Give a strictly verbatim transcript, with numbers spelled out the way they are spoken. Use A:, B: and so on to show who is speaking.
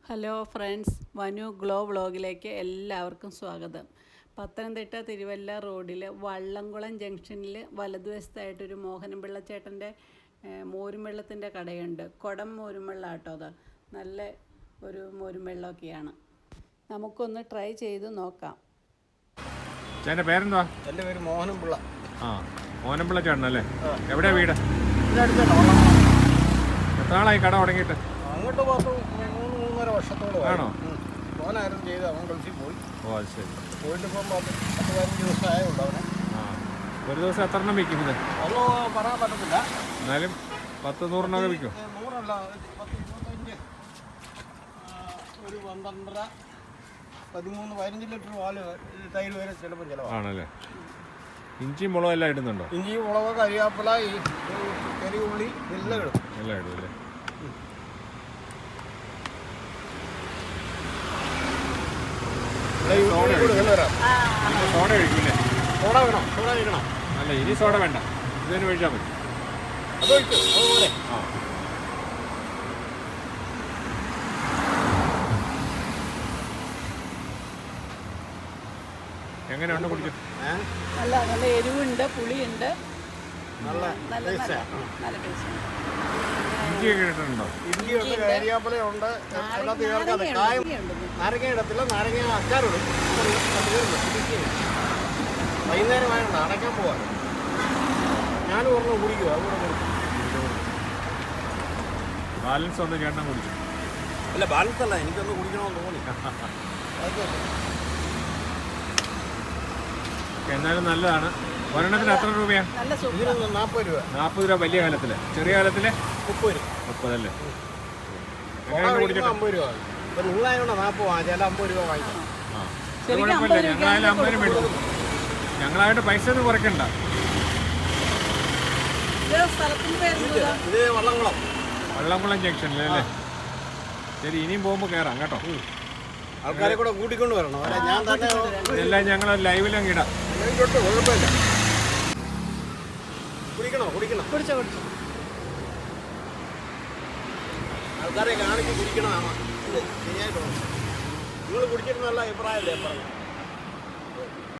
A: Hello friends, വനു glow വ്ളോഗിലേക്ക് എല്ലാവർക്കും സ്വാഗതം. പത്തനംതിട്ട തിരുവല്ല റോഡിൽ വള്ളംകുളം ജംഗ്ഷനിൽ വലതുവശത്തായിട്ടൊരു മോഹനം പിള്ളച്ചേട്ടൻ്റെ മോരും വെള്ളത്തിൻ്റെ കടയുണ്ട്. കുടം മോരും വെള്ളം കേട്ടോ. അത് നല്ല ഒരു മോരും വെള്ളമൊക്കെയാണ്. നമുക്കൊന്ന് ട്രൈ ചെയ്ത് നോക്കാം.
B: ചേട്ടൻ്റെ പേരെന്താ?
C: എൻ്റെ പേര് മോഹനം പിള്ള.
B: ആ, മോഹനം പിള്ള ചേട്ടനല്ലേ? എവിടെയാണ് വീട്? എത്ര നാളായി കട തുടങ്ങിയിട്ട്?
C: അങ്ങോട്ട് പത്ത് മൂന്ന് മൂന്നര വർഷത്തോളം
B: ആണോ?
C: മോനായിരുന്നു ചെയ്ത്, അവൻ ഗൾഫിൽ പോയി.
B: ഓ, അത് ശരി.
C: പോയിട്ട് ഇപ്പം പത്ത് പത്ത് പതിനഞ്ച് ദിവസം ആയുള്ളൂ അവനെ.
B: ആ, ഒരു ദിവസം എത്ര എണ്ണം വിൽക്കുന്നത്?
C: ഒന്നും പറയാൻ പറ്റത്തില്ല,
B: എന്നാലും പത്ത് നൂറെണ്ണമൊക്കെ വിൽക്കും.
C: നൂറല്ല, പത്ത് ഇരുപത്തഞ്ച്, ഒരു പന്ത്രണ്ടര പതിമൂന്ന് പതിനഞ്ച് ലിറ്റർ പാല് തൈര് വരെ ചിലപ്പോൾ ചിലവാണ്.
B: ആണല്ലേ? ഇഞ്ചി മുളക് എല്ലാം ഇടുന്നുണ്ടോ?
C: ഇഞ്ചി, മുളക്, കരിയാപ്പില, ഈ ചെറിയ ഉള്ളി എല്ലാം ഇടും.
B: എല്ലാം ഇടും അല്ലേ? സോഡ കഴിക്കില്ലേ?
C: സോഡ വേണം, സോഡ കഴിക്കണം.
B: അല്ല, ഇനി സോഡ വേണ്ട, ഇതിന് ഒഴിച്ചാൽ മതി.
C: അതൊഴിക്കും അതുപോലെ.
B: ആ, എങ്ങനെയുണ്ട് കുടിക്കും?
A: നല്ല നല്ല എരിവുണ്ട്, പുളിയുണ്ട്,
C: നല്ല
A: നല്ല നല്ല നല്ല ടേസ്റ്റ്.
B: ഇഞ്ചിയൊക്കെ ഇട്ടിട്ടുണ്ടോ?
C: ഇഞ്ചിയുണ്ട്, കരിയാപ്പിലയുണ്ട്, അതിനകത്ത് ചേർക്കാതെ കായം. നാരങ്ങ ഇടത്തില്ല, നാരങ്ങ അച്ചാറിടും. വൈകുന്നേരമായിട്ട് അടയ്ക്കാൻ പോവാ. ഞാനും ഒരെണ്ണം കുടിക്കുക, അതുകൂടെ കുടിക്കും.
B: ബാലൻസ് ഒന്ന് ചേട്ടൻ കുടിച്ചു.
C: അല്ല, ബാലൻസ് അല്ല, എനിക്കൊന്ന് കുടിക്കണമെന്ന് തോന്നി.
B: എന്നാലും നല്ലതാണ്. ഒരെണ്ണത്തിന് എത്ര രൂപയാണ്?
A: നല്ല സൂപ്പർ.
C: ഇതിന് നാൽപ്പത് രൂപ.
B: നാൽപ്പത് രൂപ വലിയ കാലത്തില്. ചെറിയ കാലത്തില്
C: മുപ്പത് രൂപ.
B: മുപ്പതല്ലേ?
C: കുടിച്ചിട്ട് അമ്പത് രൂപ. ഒരു ഉള്ളായതുകൊണ്ട് നാൽപ്പത് വാങ്ങിച്ചാൽ ചില അമ്പത് രൂപ വാങ്ങിക്കാം.
B: ആ, കുഴപ്പമില്ല. ഞങ്ങളായാലും അമ്പതിന് മേടിക്കും. ഞങ്ങളായിട്ട് പൈസ ഒന്നും കുറയ്ക്കണ്ട.
C: ഇത് വള്ളംകുളം
B: വള്ളംകുളം ജംഗ്ഷനിലല്ലേ? ശരി, ഇനിയും പോകുമ്പോൾ കയറാം കേട്ടോ.
C: ആൾക്കാരെ കൂടെ കൂട്ടിക്കൊണ്ട് വരണം. അല്ല, ഞാൻ തന്നെ
B: എല്ലാം ഞങ്ങൾ ലൈവിലങ്ങ് ഇടാം.
C: തൊട്ട് കുഴപ്പമില്ല. കുടിക്കണോ? കുടിക്കണം.
A: കുടിച്ചോ കുടിച്ചോ.
C: ആൾക്കാരെ കാണിച്ച് കുടിക്കണതാണ് ശരിയായിട്ടുള്ളത്. നിങ്ങൾ കുടിച്ചിട്ട് നല്ല അഭിപ്രായമല്ലേ പറഞ്ഞു?